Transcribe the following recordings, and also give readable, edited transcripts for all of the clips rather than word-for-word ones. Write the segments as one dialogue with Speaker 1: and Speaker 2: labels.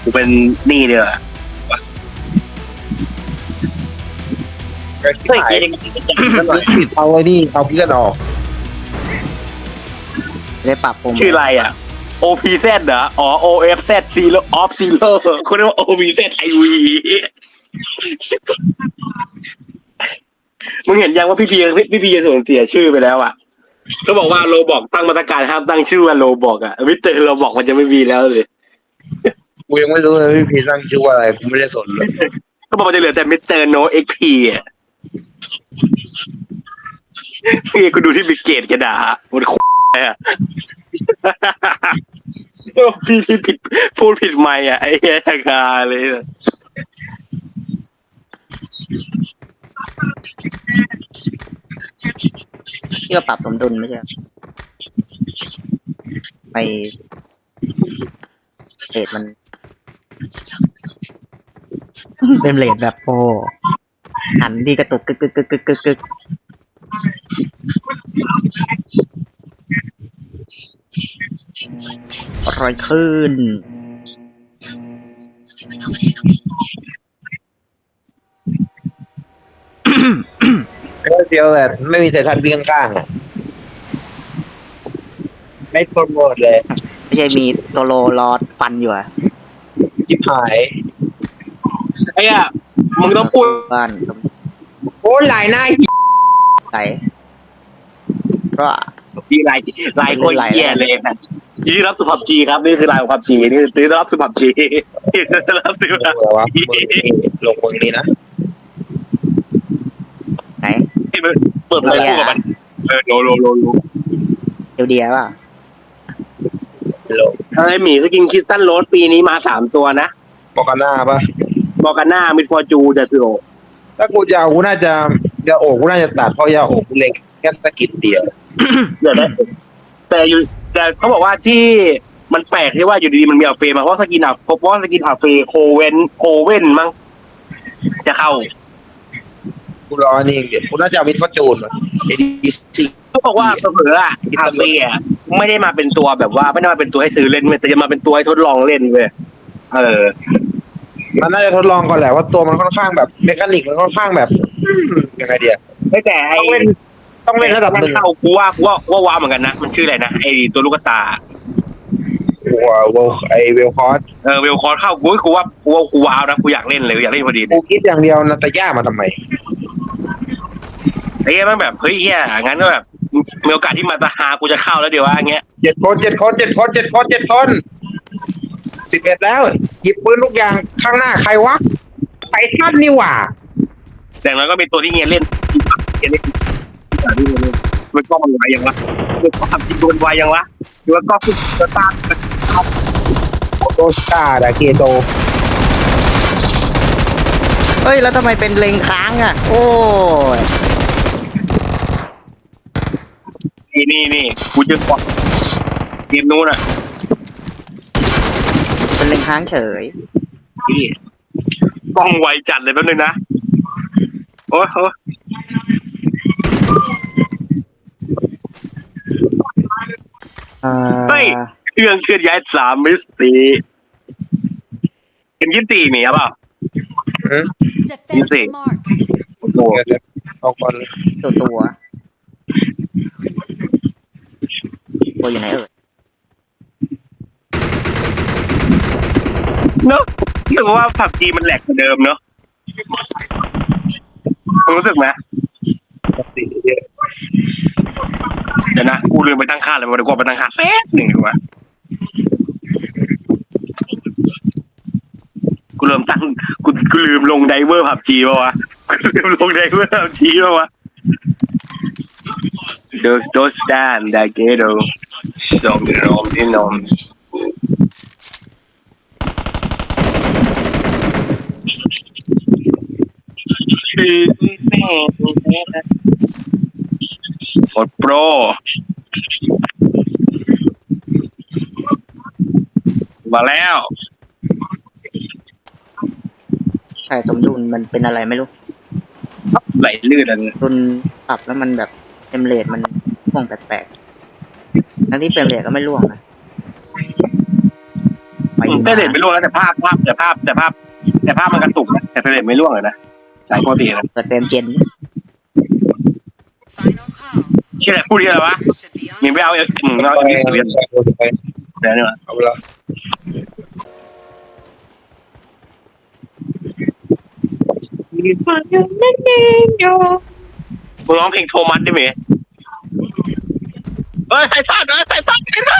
Speaker 1: กูเป็นหนี้เดียวเฮ้ย
Speaker 2: เอาไอ้นี่เอาเพื่อนออก
Speaker 3: ได้ปรับปรุง
Speaker 1: ชื่ออะไรอ่ะ OPZ เหรออ๋อ OFZ Zero Off Zero คุณเรียกว่า OPZ IV มึงเห็นยังว่าพี่พีจะสูญเสียชื่อไปแล้วอ่ะเขาบอกว่าโรบอกตั้งมาตรการห้ามตั้งชื่อว่าโรบอกอ่ะมิสเตอร์โรบอกมันจะไม่มีแล้วเลย
Speaker 2: กูยังไม่รู้เลยพี่พีตั้งชื่อว่าอะไรกูไม่ได้สนเลย
Speaker 1: ก็บอกมันจะเหลือแต่มิสเตอร์โนเอ็กพีอ่ะนี่กูดูที่บิเกตกระดาษมันโคตรอ่ะพี่ผิดพูดผิดไม่อ่ะไอ้แย่กาเลย
Speaker 3: ที่ว่าปรับสมดุลไม่ใช่ไปเรทมันเป็นเรทแบบโอ้หันดีกระตุกกึกรอยขึ้น
Speaker 2: เดียวแต่ไม่มีแต่ทันวิ่งข้างๆอ่ะไม่โปรโมทเลย
Speaker 3: ไม่ใช่มีโซโลรอฟันอยู่อะ
Speaker 2: จิบหาย
Speaker 1: ไอ้อะมึงต้องพูด
Speaker 3: บ้าน
Speaker 2: โอ้หลายหน้า
Speaker 3: ไหลก็
Speaker 1: มีลายคนเหี้ยเลยนะยินดีรับสุภาพจีครับนี่คือลายของความจีนี่คือรับสุภาพจีรับสุภาพจี
Speaker 2: ลงคนนี้นะ
Speaker 3: ไหน
Speaker 1: เปิดเลยคู่กับมันโล
Speaker 3: เดียวป่ะ
Speaker 1: ไอ้หมีก็กินคิสตันโรสปีนี้มา3 ตัวนะ
Speaker 2: บอกกันหน้าปะ
Speaker 1: บอกกันหน้ามิดฟอร์จูจะคือโอ
Speaker 2: ถ้ากูจะเอากูน่าจะโอกกูน่าจะตัดเพราะยาโอกกูเล็งแค่ตะกิดเดียว
Speaker 1: เดี๋ยวนะแต่เขาบอกว่าที่มันแปลกที่ว่าอยู่ดีๆมันมีอัลเฟมาเพราะสกินอัลเฟโคเว่นมั้งจะเข้า
Speaker 2: กูรอนี่เดี๋ยวกูน่าจะเอามิดฟอร์จูนเอดีซี
Speaker 1: เขาบอกว่าเผลอๆอัลเฟไม่ได้มาเป็นตัวแบบว่าไม่ได้มาเป็นตัวให้ซื้อเล่นเว้ยแต่จะมาเป็นตัวให้ทดลองเล่นเว้ย
Speaker 2: มันน่าจะทดลองก่อนแหละว่าตัวมันค่อนข้างแบบเมคานิกมันค่อนข้างแบบยังไงเดีย
Speaker 1: ไม่แต่
Speaker 2: ต้องเล่นระดับหนึ่ง
Speaker 1: เข้ากูว่าว้าวเหมือนกันนะมันชื่ออะไรนะไอตัวลูกตา
Speaker 2: ว้าวไอเวลคอร์ส
Speaker 1: เวลคอร์สเข้ากูว่ากูว้าวนะกูอยากเล่นเลยอยากเล่นพอดี
Speaker 2: กูคิดอย่างเดียวนะแต่ย่ามาทำไม
Speaker 1: ไอ้มันแบบเฮ้ยเฮียงั้นก็แบบมีโอกาสที่มาตาหากูจะเข้าแล้วเดี๋ยวว่าอย่างเงี้ย
Speaker 2: 7 คน 11แล้วหยิบปืนลูกยางข้างหน้าใครวะไปท่านนี่หว่า
Speaker 1: แต่แล้วก็มีตัวที่เงี้ยเล่นมันก็มันไหวยังวะมันก็ทำจริงโดนไหวยังวะหรือว่าก็คือจะตาม
Speaker 2: โตสตาร์ดาเกโต
Speaker 3: เฮ้ยแล้วทำไมเป็นเลงค้างอ่ะโอ้
Speaker 1: นี่กูจะกดเกมนู้นอ่ะ
Speaker 3: เป็นเลงค้างเฉย
Speaker 1: กล้องไวจัดเลยแป๊บนึงนะโอ้โหเฮ้ยเครื่องเคลื่อนย้าย3 มิสตีเป็น24มีหรือเปล่า24
Speaker 2: ตัวเอาก่อน
Speaker 3: ตัวอยู่ไหน
Speaker 1: เนอะรู้สึกว่าผับจีมันแหลกกว่าเดิมเนอะรู้สึกไหมเดี๋ยวนะกูลืมไปตั้งค่าเลยวันนี้กูไปตั้งค่าแป๊บหนึ่งดีกว่ากูลืมลงไดเวอร์ผับจีป่าวะกูลืมลงไดเวอร์ผับจีป่าวะdos dan da ghetto nom กดโปรมาแล้ว
Speaker 3: ใช่สมดุลมันเป็นอะไรไม่รู้
Speaker 1: ไหลลื่นอัน
Speaker 3: ดุลปรับแล้วมันแบบเฟรมเรทมันร่วงแปลกๆทั้งที่เฟรมเรทก็ไม่ร่วงนะ
Speaker 1: เฟรมเรทไม่ร่วงแล้วแต่ภาพมันกระตุกนะแต่เฟรมเรทไม่ร่วงเลยนะใช่ปกตินะ
Speaker 3: เปิดเฟรมเจน
Speaker 1: ชื่ออะไรพูดที่อะไรวะมีไม่เอาเอาเดี๋ยวนี่วะ
Speaker 2: เอาไปละ
Speaker 1: มึงร้องเพลงโทมัสได้ไหมเฮ้ยใครพลาดใครพลาด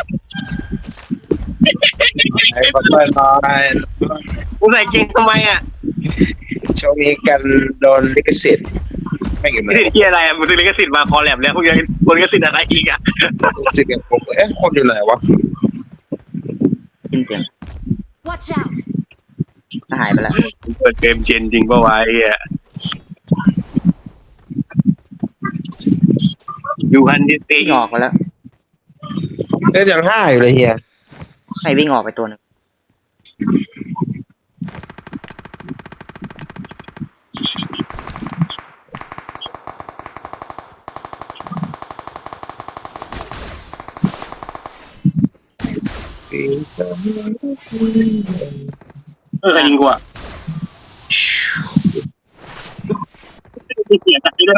Speaker 2: ไอ้คนไม่น้อย
Speaker 1: มึงใส่เกงทำไมอ่ะ
Speaker 2: ช่วงนี้กันโดนลิขสิทธิ์ไม่เกี่ยว
Speaker 1: ลิขสิทธิ์ที่อะไรมึงซื้อลิขสิทธิ์มาคอแลบแล้วพวกยังลิขสิทธิ์อะไรอีกอ่ะ
Speaker 2: ลิขสิทธิ์อย่างผมคนอยู่ไหนวะ
Speaker 3: ยินเสียง
Speaker 4: Watch out!
Speaker 3: ก็หายไปแล้ว
Speaker 1: เปิดเกมเจนจริงป่าวะไอ้อ่ะยูฮันดิสตี
Speaker 3: วิ่งออกไปแล้ว
Speaker 2: ยังห้าอยู่เลยเฮีย
Speaker 3: ใครวิ่งออกไปตัวหนึง
Speaker 1: ใครยิงกูอ่ะเสียใจด้วย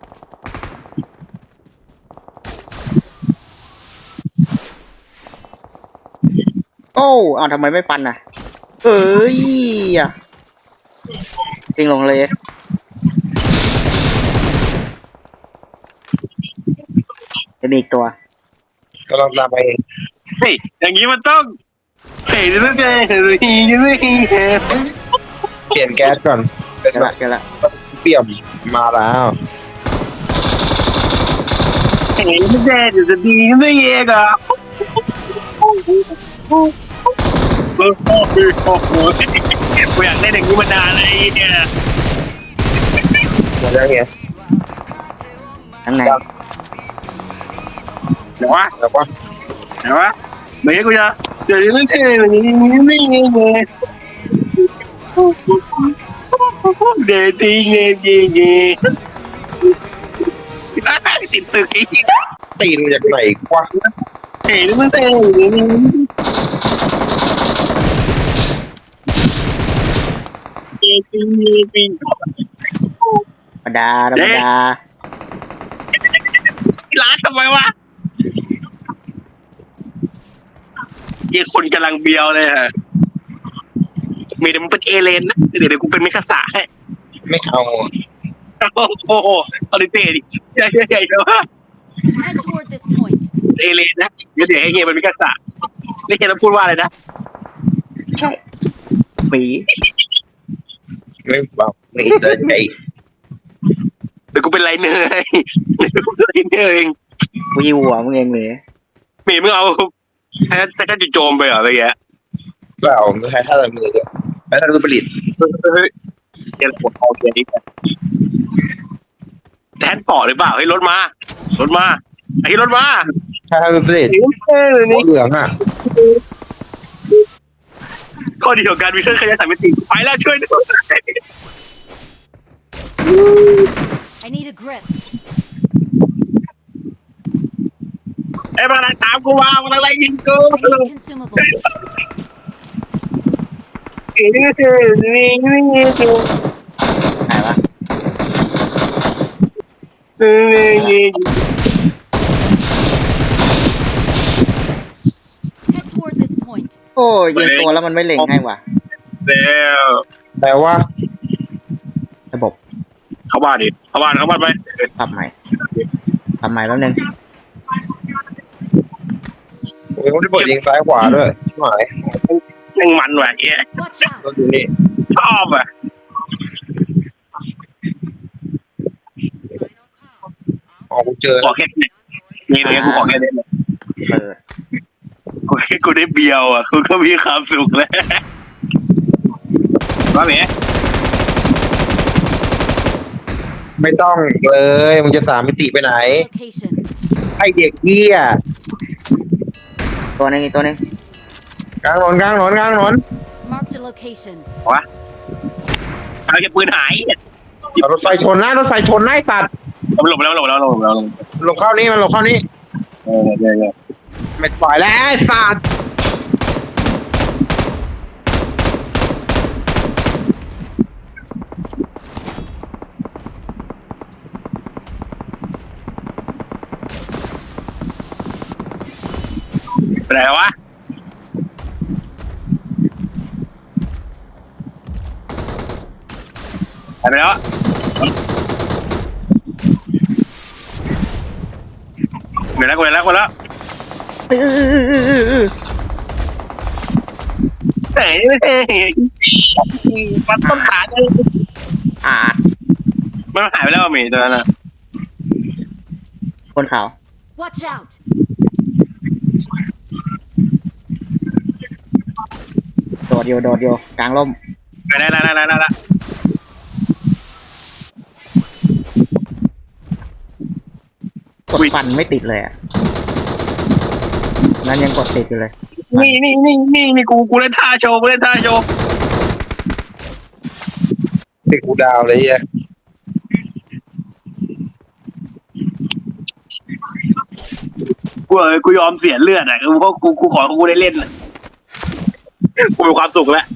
Speaker 3: โอ้เอาทำไมไม่ปันอ่ะ เอ้ยอ่ะวิ่งลงเลยจะมีอีกตัว
Speaker 2: กำลังตามไปเอง
Speaker 1: เฮ้ยอย่างนี้มันต้องเฮ้ยจะต้องเฮ้ยจะไม่
Speaker 2: เปลี่ยนแก๊สก่อนเป็น
Speaker 3: เจอ
Speaker 2: แบ
Speaker 3: ละ
Speaker 2: บ
Speaker 3: เจอละ
Speaker 2: เปี่ยมมาแล้ว
Speaker 1: เฮ้ยจะดีไม่เองอ่ะโอ้โหกูอยากเล่นอย่างนี้มานานเลยเนี่ย
Speaker 2: มาแล้วเฮีย
Speaker 3: ข้างใน
Speaker 1: เดี๋ยววะ
Speaker 2: แล้วว่า
Speaker 1: เดี๋ยววะไม่ให้กูจะเดี๋ยวไม่ใช่แบบนี้ไม่เงี้ยเดทิ้งเดทิ้งติดตึกอีก
Speaker 2: ตีนมาจากไหนวะ
Speaker 1: เฮ้ยไม่ใช่จริง
Speaker 3: ธรรมดาธรรมดา
Speaker 1: ร้านทำไมวะเยี่ยคนกำลังเบียวเลยฮะมีแต่มันเป็นเอเลนนะเดี๋ยวกูเป็นมิคาสะให้
Speaker 2: ไม่เอา
Speaker 1: โอ้โหอลิเต้ดิใหญ่ๆเลยว่า
Speaker 4: Head toward this point.
Speaker 1: เอเลนนะเดี๋ยวให้เฮียเป็นมิคาสะนี่เฮียต้องพูดว่าอะไรนะ
Speaker 3: ใช่ปี
Speaker 2: ไม่บอกไม่เดินใจ
Speaker 1: เดี๋ยวกูเป็นไรเนยเดี๋ยวกูเป็นไรเนยเอง
Speaker 3: วิวหัวมึงเองเลย
Speaker 1: หมีมึงเอาจะกันจุโจมไปเหรออะไรเงี้ย
Speaker 2: เปล่าไม่ใช่ท่าอะไรมือเลยใช้ท่ารูปผลิต
Speaker 1: เฮ้ยเฮียปวดคอเฮียนี่แทนปอหรือเปล่าให้รถมาไอ้รถมา
Speaker 2: ใช้ท่ารูปผลิต
Speaker 1: นี่
Speaker 2: หัวเหลืองอ่ะ
Speaker 1: ข้อดีของการมีเครื่องขยายสามมิติไปแล้วช่วยด้วย
Speaker 4: I need a grip.
Speaker 1: ไอ้มันอะไรตามกูมามันอะไรยิงกู
Speaker 4: I need consumables.
Speaker 3: หายวะ
Speaker 4: Head toward this point.
Speaker 3: โอ้ยยิงตัวแล้วมันไม่เล็งให้ว่ะ
Speaker 1: แล้ว
Speaker 2: แต่ว่า
Speaker 3: ระบบ
Speaker 1: เข้าบ้านดิเข้าบ้านไป
Speaker 3: ปรับใหม่แป๊บนึง
Speaker 2: โอ้ยไม่ได้เปิดยิงซ้ายขวาด้วยชิบหาย
Speaker 1: ยังมันว่ะเฮีย
Speaker 4: Watch
Speaker 2: ก็
Speaker 4: out!
Speaker 2: ดูนี่
Speaker 1: ชอบอ่ะ
Speaker 2: ออกกูเจอ
Speaker 1: ขอแค่นี่กูขอแค่นี้
Speaker 3: เปิด
Speaker 1: กูได้เบียวอ่ะกูก็มีความสุขแล้วว่าเมีย
Speaker 2: ไม่ต้องเลยมึงจะสามมิติไปไหน
Speaker 4: Location.
Speaker 2: ไอเด็กเหี้ย
Speaker 3: ตัวหนึงอีกตัวหนึง
Speaker 2: กลางถนน
Speaker 4: Marked a location.
Speaker 1: วะเอาจะปืนหาย
Speaker 2: เอารถไฟชนนะรถไฟชนนะไอ้สัตว์
Speaker 1: หลบแล้ว
Speaker 2: ลงเข้านี่มันลงเข้านี่ไม่ปล่อยแล้วไอ้สัตว์
Speaker 1: หายไปแล้วเดี๋ยวแล้วคนแล้วเฮ้ยมันต้นขาเลย
Speaker 3: อ่า
Speaker 1: มันหายไปแล้วมีตัวนั้นนะ
Speaker 3: คนขาว
Speaker 4: Watch out!
Speaker 3: โดดอยู่กลางร่ม
Speaker 1: ได้
Speaker 3: กดฟันไม่ติดเลยอ่ะนั้นยังกดติดอยู่เลย
Speaker 1: นี่กูเล่นท่าโชว์
Speaker 2: ติดกูดาวเลยเฮีย
Speaker 1: กูยอมเสียเลือดอ่ะเพราะกูขอกูได้เล่นกูมีความสุขแล้ว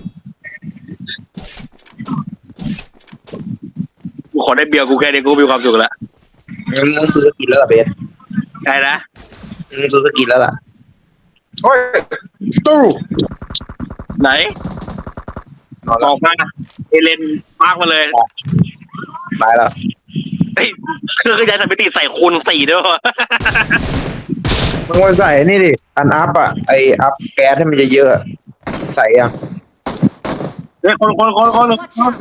Speaker 1: กูขอได้เบียร์กูแค่นี้กูมีความสุขแล้ว
Speaker 2: มึงซื้อสกินแล้วล่ะเบส
Speaker 1: ได้นะ
Speaker 2: มึงซื้อสกินแล้วล่ะโอ้ยสตู
Speaker 1: ไหนบอกมาเอเลนมากมาเลย
Speaker 2: ตายแล้ว
Speaker 1: เฮ้ยเครื่องขยายสถิติใส่คูณ 4ด้วยวะ
Speaker 2: มึงมาใส่นี่ดิอันอัพอ่ะไออัพแก๊สให้มันเยอะๆใส่ยัง
Speaker 1: เฮ้ยคน
Speaker 4: Watch out!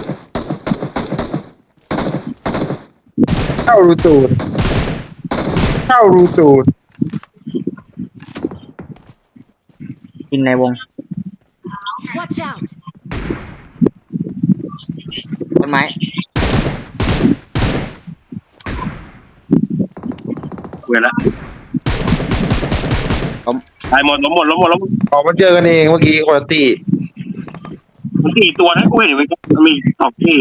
Speaker 2: เข้ารูตูด
Speaker 3: กินในวง
Speaker 4: Watch out!
Speaker 3: ต้นไม้
Speaker 1: เวลา
Speaker 3: ล้ม
Speaker 1: ตายหมดล้มหมด
Speaker 2: ออกมาเจอกันเองเมื่อกี้คนละตี
Speaker 1: มันกี่ตัวนะกูเห็นมันมี2 ที่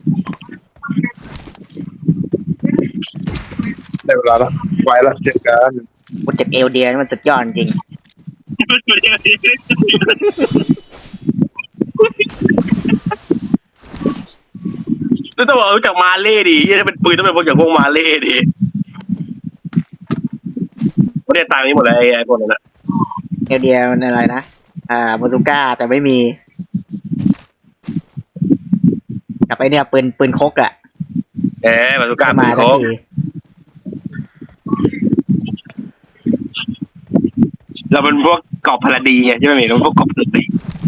Speaker 2: ได้เวลาแล้วไว้แล้วเจอกัน
Speaker 3: โปรเจกต์เอลเดียนี่มันสุดยอดจริง
Speaker 1: แล้วต้องบอกรู้จักมาเล่ดิถ้าเป็นปืนต้องเป็นพวกอย่างพวกมาเล่ดิไม่ได้ตามนี้หมดเลยไอ้พวกนั้นนะ
Speaker 3: เอลเดียมันอะไรนะบาซูก้าแต่ไม่มีกับไอเนี่ยปืนคกอะ
Speaker 1: บาซูก้า
Speaker 3: มา
Speaker 1: ปืน
Speaker 3: ทั
Speaker 1: โค
Speaker 3: นที
Speaker 1: เราเป็นพวกกอบพลาดีไงใช่ไหมมีเราพวกกอบพลาดี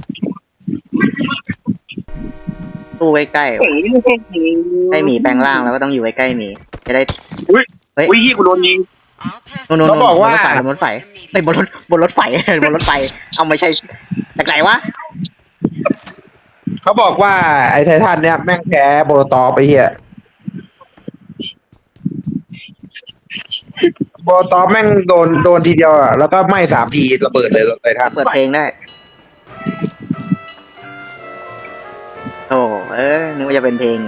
Speaker 3: ตู้ใกล้ๆให้หมีแปลงร่างแล้วก็ต้องอยู่ใกล้ๆหมีจะได้
Speaker 1: อุ้ย
Speaker 3: เฮ้ย
Speaker 1: อุ้ยที่กูโดนยิง
Speaker 3: นู่นบนรถไฟไปบนรถไฟบนรถไฟเอาไม่ใช่จากไหนวะ
Speaker 2: เขาบอกว่าไอ้ไททันเนี่ยแม่งแพ้โบโลตอไปเฮียโบโลตอแม่งโดนทีเดียวอ่ะแล้วก็ไหม้3 ทีระเบิดเลยไททัน
Speaker 3: เปิดเพลงได้โอ้นึกว่าจะเป็นเพลง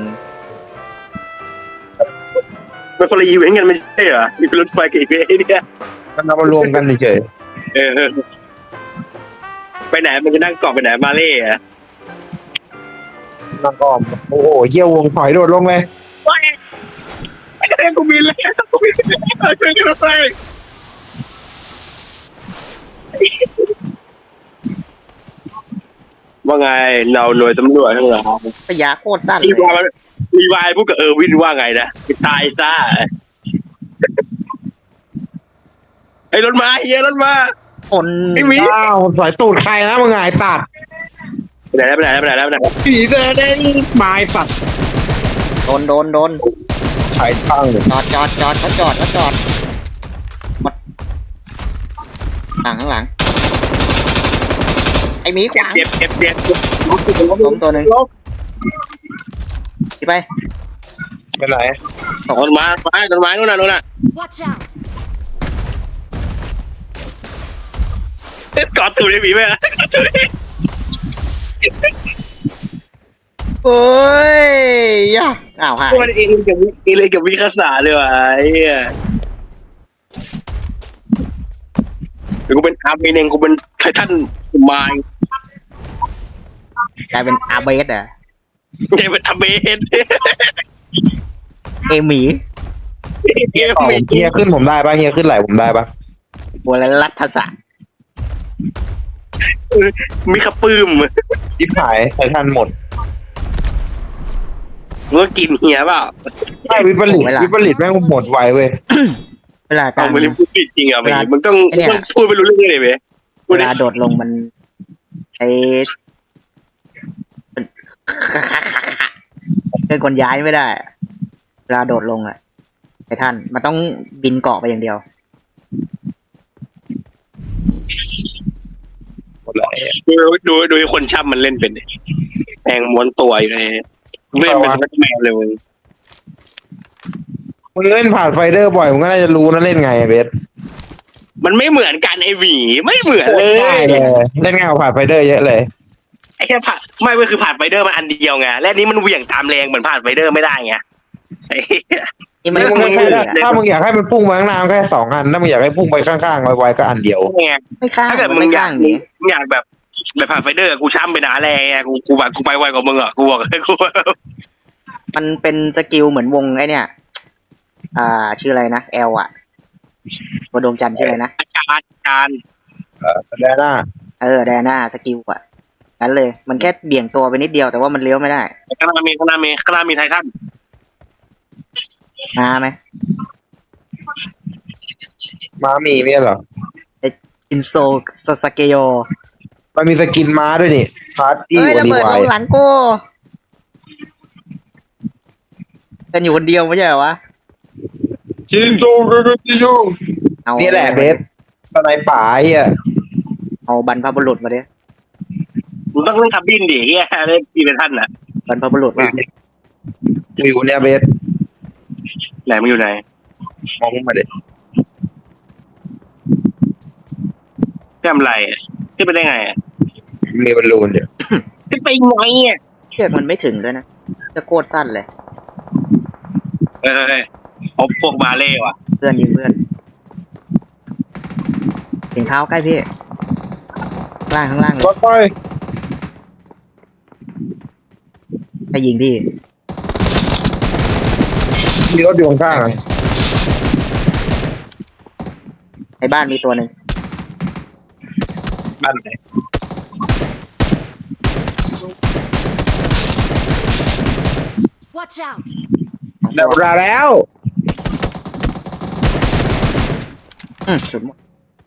Speaker 1: เป็นคนละอีเวนต์กันไม่ใช่เหรอมีเป็นรถไฟกับอีเวนต์เนี่ย
Speaker 2: มันเอามารวมกันเฉย
Speaker 1: ไปไหนมันจะนั่งเกาะไปไหนมาเล่อะ
Speaker 2: ๆนั่งอ้อมโอ้โหเยี่ยววงถอยโดดลงเลย
Speaker 1: ไอ้เรื่องกูบินแล้วกูบินแล้วช่วยกันไปว่าไงเราหน่วยตำรวจทั้งหลาย
Speaker 3: พยาโคตรสั้น
Speaker 1: รี
Speaker 3: เล
Speaker 1: วาย รีวายพวกกับวินว่าไงนะไปตายซะไอ้รถมาเฮียรถมา
Speaker 3: คน
Speaker 1: ไม่มี
Speaker 2: อ้าวสอยตูดใครนะมึงไงสัตว์
Speaker 1: ไปไหนแล้ว
Speaker 2: ผีเดินได้ไม้สัตว์
Speaker 3: โดน
Speaker 2: ใช้ตั้งเลย
Speaker 3: จอดเขาจอดข้างหลังไอหมีขวาง
Speaker 1: เจ็บ
Speaker 3: ล้มตัวหนึ่งที่ไป
Speaker 2: ไปไหน
Speaker 1: ต้นไม้นู่นน่ะ
Speaker 4: Watch out!
Speaker 1: กอดตูดไอ้หมีไหมล่ะ
Speaker 3: โอ้ยย่าอ้าวหาย
Speaker 1: มันเองกับวิคาสาเลยว่ะไอ้เหี้ยเดี๋ยวกูเป็นอาร์เมเนงกูเป็นไททันมาย
Speaker 3: กลายเป็นอาเบสอ่ะ
Speaker 1: เดี๋ยวเป็นอาร์เมน
Speaker 3: เอหมี
Speaker 1: เฮีย
Speaker 2: เฮียขึ้นผมได้ปะเฮียขึ้นไหลผมได้ปะ
Speaker 3: บัวรัฐศาสตร์
Speaker 1: มีขปื้ม
Speaker 2: ยิบหายไททันหมด
Speaker 1: มึงก็กินเฮียเปล่า
Speaker 2: ใช่วิปริตแม่งหมดไวเว้ย
Speaker 3: เวลาการ
Speaker 1: เอาไม่ได้พูดผิดจริงอ่ะ
Speaker 3: เวลา
Speaker 1: มึงต้อง
Speaker 3: ไอ้เนี่ย
Speaker 1: พูดไม่รู้เรื่องเลยเว้ยพู
Speaker 3: เว
Speaker 1: ดได้
Speaker 3: ลาโดดลงมันใช้เดินคนย้ายไม่ได้อะเวลาโดดลงอ่ะไอ้ท่านมันต้องบินเกาะไปอย่างเดียว
Speaker 2: หมดเลย
Speaker 1: ดูไอ้คนช่ำมันเล่นเป็นดิแทงม้วนตัวอยู่ในเล่นเป็นแมวเลยมึง
Speaker 2: มึงเล่นผ่านไฟเดอร์บ่อยมึงก็น่าจะรู้นะเล่นไงเบส
Speaker 1: มันไม่เหมือนกันไอ้หวีไม่เหมือนเล
Speaker 2: ใช่
Speaker 1: ย
Speaker 2: เลยเล่นง่ายกว่าผ่านไฟเดอร์เยอะเลย
Speaker 1: ไอ้แค่ผ่านไม่เว้ยคือผ่านไฟเดอร์มันอันเดียวไงและนี้มันเหวี่ยงตามแรงเหมือนผ่านไฟเดอร์ไม่ได้ไงไอ้
Speaker 3: นี่มัน
Speaker 2: นี่มึง
Speaker 3: ไม่
Speaker 2: แค่
Speaker 3: ใช่อะ
Speaker 2: ถ้ามึงอยากให้มันพุ่งไปข้างหน้าแค่2 อันถ้ามึงอยากให้พุ่งไปข้างๆไวๆก็อันเดียว
Speaker 1: ไง
Speaker 3: ไม่ข้าง
Speaker 1: ถ้าเกิด
Speaker 3: มัน
Speaker 1: มึ
Speaker 3: ไม่
Speaker 1: งอยา
Speaker 3: ข้าก งนี้
Speaker 1: มึงอยากแบบผ่านไฟเดอร์กูช่ำไปหนาแรงไงกูแบบกูไปไวกว่ามึงอ่ะกูบอกเลยกู
Speaker 3: มันเป็นสกิลเหมือนวงไอ้เนี่ย ชื่ออะไรนะแอลอ่ะตัวดวงจันทร์ชื่ออะไรนะ
Speaker 1: อาจารย์
Speaker 2: แดน่า
Speaker 3: ไดอาน่าสกิลอ่ะนั้นเลย มันแค่เบี่ยงตัวไปนิดเดียวแต่ว่ามันเลี้ยวไม่ได้
Speaker 1: ข้างหน้ามีไททัน
Speaker 3: มาไหม
Speaker 2: ม้ามีไม่ใช่เหรอ
Speaker 3: อินโซสเกโย
Speaker 2: มันมีสกินม้าด้วยนี่พาร์ตี้
Speaker 3: เอ้ย
Speaker 2: วัน
Speaker 3: ระ
Speaker 2: ดี
Speaker 3: เบิด
Speaker 2: ไว
Speaker 3: ลงหลังกูกันอยู่คนเดียวไม่ใช่เหรอวะ
Speaker 2: จินโตจิโย
Speaker 3: เอา
Speaker 2: นี่แหละเบสตอนไหนป่าไอ้อ่ะ
Speaker 3: เอาบรรพบุรุษมาดิ
Speaker 1: มึงต้องเล่นคับบินดิเฮียเล่นปีเป็นท่านน่ะ
Speaker 3: บรรพบุรุษว่า
Speaker 2: อยู่เนี่ยเบส
Speaker 1: ไหนมึงอยู่ไหน
Speaker 2: มองมาเด็
Speaker 1: แก้มไรขึ้นไปได้ไง
Speaker 2: มีบอลลูนเดี๋ยว
Speaker 1: ขึ้นไปไงอ่ะ
Speaker 3: เชือกมันไม่ถึงด้วยนะจะโคตรสั้นเลย
Speaker 1: พวกบาเล่ว่ะ
Speaker 3: เพื่อนยิงเพื่อนถึงเท้าใกล้พี่ข้างล่างเล
Speaker 2: ร
Speaker 3: ย
Speaker 2: ถไฟ
Speaker 3: ให้ยิงพี่
Speaker 2: มีรถอยู่ข้างๆอ่ะ
Speaker 3: ในบ้านมีตัวหนึ่ง
Speaker 2: บ้านไหน
Speaker 4: Watch out!
Speaker 2: ได้เวลาแล้ว
Speaker 3: สุดหมด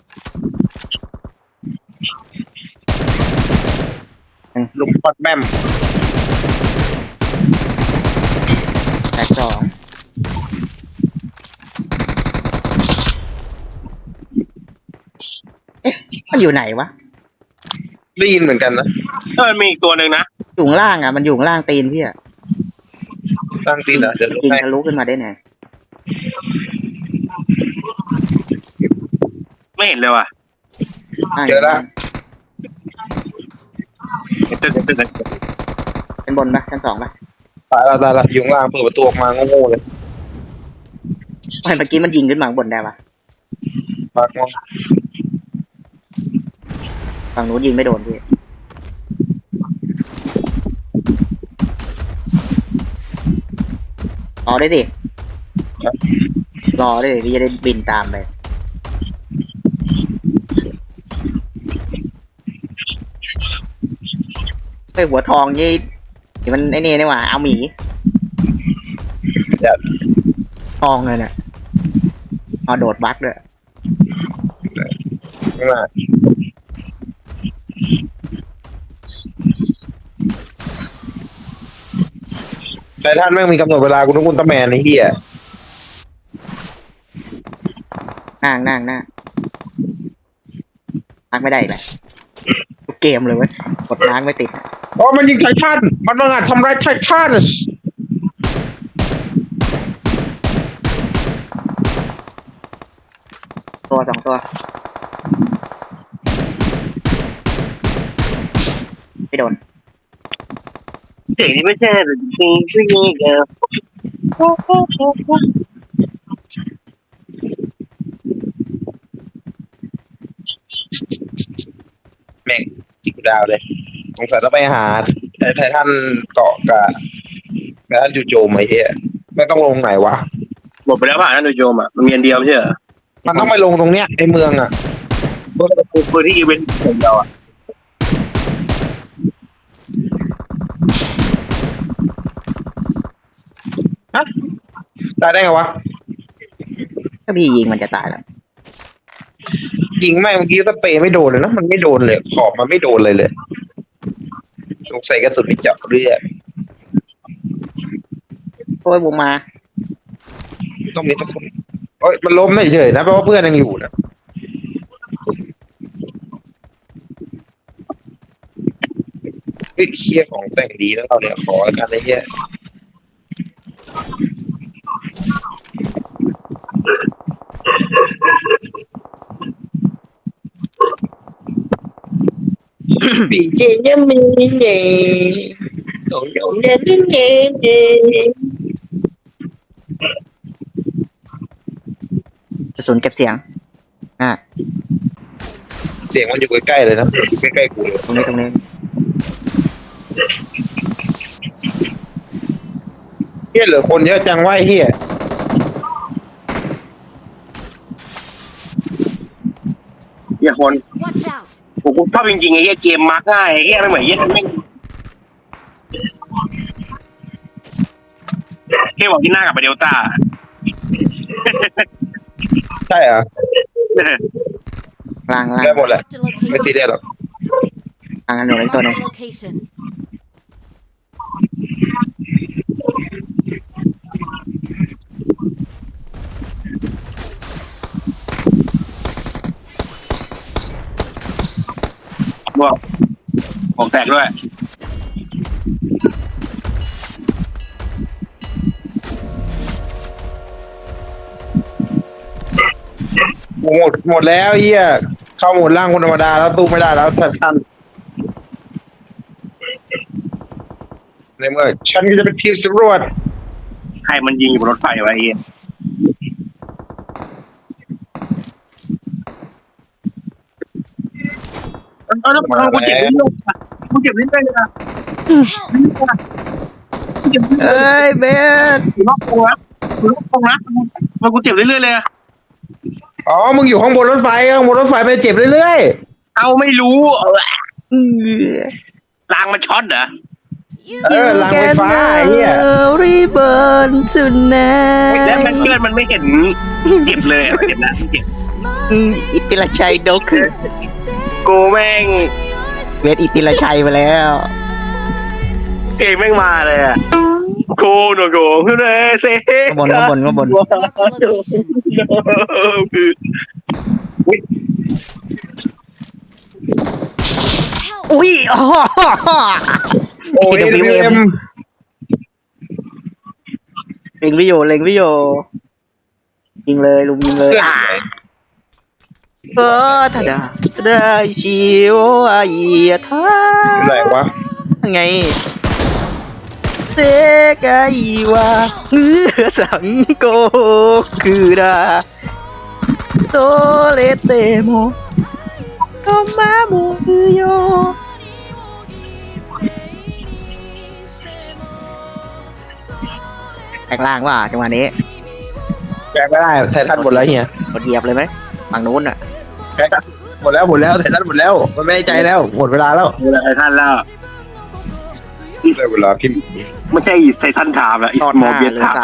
Speaker 2: ลุมปัดแม่ม
Speaker 3: แตกสองมันอยู่ไหนวะ
Speaker 2: ได้ยินเหมือนกันนะ
Speaker 1: มีอีกตัวหนึ่งนะ
Speaker 3: อยู่ข้างล่างอ่ะมันอยู่ข้างล่างตีนพี่อ่ะ
Speaker 2: ตั้งตีนเหรอเดี๋ยวลง
Speaker 3: ยิง
Speaker 2: ให้
Speaker 3: ทะลุขึ้นมาได้ไง
Speaker 1: ไม่เห็นเลยว่ะ
Speaker 2: เจอแล้ว
Speaker 3: เป็นบนปะชั้นสองปะ
Speaker 2: ตายแล้วอยู่ข้างล่างเปิดประตูออกมาโง่ๆเลย
Speaker 3: ไม่เมื่อกี้มันยิงขึ้นมาข้างบนได้ปะ
Speaker 2: ปากมอง
Speaker 3: ฝั่งนู้นยิงไม่โดนพี่รอได้ดิรอได้ดิพี่จะได้บินตามไปไอ้หัวทองนี่มันไอ้นี่นี่หว่าเอาหมี
Speaker 2: เดี๋ยว
Speaker 3: ทองเลยเนี่ยเอาโดดบักด้วย
Speaker 2: ข้างหน้าแต่ท่านแม่งมีกำหนดเวลากูต้องกุนตะแมนไอ้เหี้ย
Speaker 3: นั่งพักไม่ได้อีกเลยทุกเกมเลยเว้ยกดล้างไม่ติด
Speaker 2: อ๋อมันยิงไททันมันต้องทำร้ายไททัน
Speaker 3: ตัวสองตัวไม่โดน
Speaker 1: เจ๋งที่ไม่ใช่หรือจริงๆที่นี่เออ
Speaker 2: แม่งจิกดาวเลยสงสัยต้องไปหาไททันเกาะกับไททันจู่โจมไอ้เหี้ยไม่ต้องลงไหนวะ
Speaker 1: หมดไปแล้วผ่านนั่นโยมอ่ะมันมีอันเดียวไม่ใช่เหรอ
Speaker 2: มันต้องไปลงตรงเนี้ยในเมืองอ่ะ
Speaker 1: ปืนที่อีเวนต์ของเราอ่ะ
Speaker 2: มตายได้ไงวะ
Speaker 3: ถ้าพี่ยิงมันจะตายแล้ว
Speaker 2: ยิงแม่งเมื่อกี้สเปรย์ไม่โดนเลยนะมันไม่โดนเลยขอบมันไม่โดนเลยสงสัยกระสุนไม่เจาะเลือด
Speaker 3: โอ้ยวงมา
Speaker 2: ต้องมีสักคนเอ้ยมันล้มเฉยๆนะเพราะว่าเพื่อนยังอยู่นะเฮ้ยเคียของแต่งดีแล้วเราเนี่ยขอแล้วกันไอ้เหี้ยปีเจยังมีเย่โดนโดนเด่นเด่น
Speaker 3: กระสุนเก็บเสียงอ่ะ
Speaker 2: เสียงมันอยู่ใกล้ๆเลยนะอยู่ใกล้ๆกูเลย
Speaker 3: ตรงนี้
Speaker 2: เฮียเหลือคนเยอะจังวะไอ้เฮีย
Speaker 1: เฮียคน
Speaker 4: Watch out!
Speaker 1: ผมชอบจริงๆไอ้เฮียเกมมาร์กง่ายไอ้เฮียไม่เหมือนเฮียไม่เฮียบอกที่หน้ากับไปเดลต้า
Speaker 2: ใช่เหรอ
Speaker 3: ล่าง
Speaker 2: ได้หมดแหละ
Speaker 4: Marked a
Speaker 2: ไม่ซี
Speaker 4: location.
Speaker 2: เรียสหรอก
Speaker 3: ล่างกันหนูเล็กตัวหนึง
Speaker 4: Marked a location.
Speaker 1: บวกผมแตกด้วย
Speaker 2: หมดแล้วเฮียเข้าโหมดล่างคนธรรมดาแล้วตู้ไม่ได้แล้วท่านในเมื่อฉันก็จะเป็นทีมสำรวจ
Speaker 1: ใครมันยิงอยู่บนรถไฟวะไอ้เฮียแล้วกูเจ็บนิดนึงกูเจ็บนิดนึงนะ
Speaker 3: เอ้ยเบส
Speaker 1: อยู่นอกวงนะอยู่นอกวงนะมันกูเจ็บเรื่อยๆเลยอะ
Speaker 2: อ๋อมึงอยู่ข้างบนรถไฟไปเจ็บเรื่อย
Speaker 1: เอาไม่รู้รางมันช็อตเหรอ
Speaker 2: รางไฟฟ้าไอ้เฮีย
Speaker 3: รีเบิร์นจุนแน่
Speaker 1: แล้วมันเพื่อนมันไม่เห็นเจ็บเลยอะเจ็บนะเจ็บ
Speaker 3: อิติลชัยดก
Speaker 1: กูแม่ง
Speaker 3: เวทอิติลชัยมาแล้ว
Speaker 1: เก่งแม่งมาเลยอะกูหนูกูคือเลยเซ่
Speaker 3: ข้างบน
Speaker 4: Marked a location.
Speaker 3: อุ้ยอ๋อ
Speaker 2: โอ้ย
Speaker 3: WM เล็งวิโยยิงเลยลุงยิงเลยถ้าได้ชิวอายีท่า
Speaker 2: อะไรวะ
Speaker 3: ไงเซกาอีวาสังโกคือดาโตเลเตโมโตมามุโยแตกล่างว่ะจังหวะนี้
Speaker 2: แกไม่ได้ไททันหมดแล้วเฮีย
Speaker 3: กดเหยียบเลยไหมฝั่งนู้นอ่ะ
Speaker 2: แกหมดแล้วไททันหมดแล้วมันไม่ให้ใจแล้วหมดเวลาแล้ว
Speaker 1: เวลาไททันแล้ว
Speaker 2: ได้เวลาพิมพ์
Speaker 1: ไม่ใช่ไททันถามแล้วอิ
Speaker 3: ต
Speaker 1: ส
Speaker 3: อน
Speaker 1: โม
Speaker 3: หน้า
Speaker 1: เบีย
Speaker 3: เหลือ
Speaker 1: ถาม
Speaker 3: สาม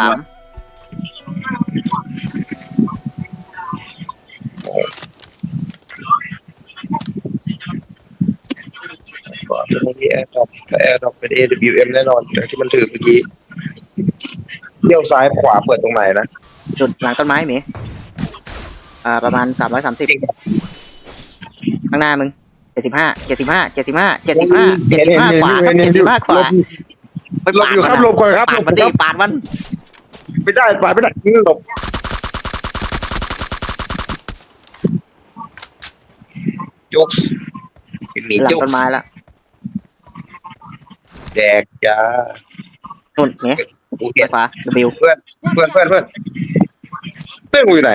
Speaker 2: เป็นเมื่อกี้แอร์ดรอปเป็น AWM แน่นอนจากที่มันถือเมื่อกี้เลี้ยวซ้ายขวาเปิดตรงไหนนะ
Speaker 3: จุดหลังต้นไม้หมีประมาณ330ข้างหน้ามึง75ขวาครับ75ขวา
Speaker 2: หลบอยู่ครับหลบก่อนครับ
Speaker 3: ปาดมันดิปาดมัน
Speaker 2: ไม่ได้หลบยกมี
Speaker 3: หลัง
Speaker 2: ยก
Speaker 3: ต้นไม้ละ
Speaker 2: แดกจ้า
Speaker 3: นู่นเนี่ย
Speaker 2: กู
Speaker 3: ไป
Speaker 2: เห็น
Speaker 3: ขวา W
Speaker 2: เพื่อนกูอยู่ไหน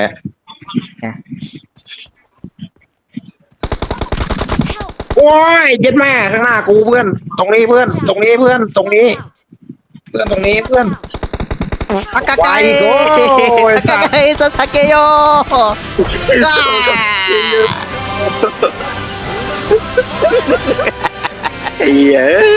Speaker 2: โอ้ยเย็ดแม่ข้างหน้ากูเพื่อนตรงนี้เพื่อนตรงนี้
Speaker 4: Watch out!
Speaker 2: ตรงนี้เพื่อน
Speaker 3: อากาไก
Speaker 2: ไปโอ้ย
Speaker 3: อากาไกซาสเกโย
Speaker 1: ไอ้เหี้ย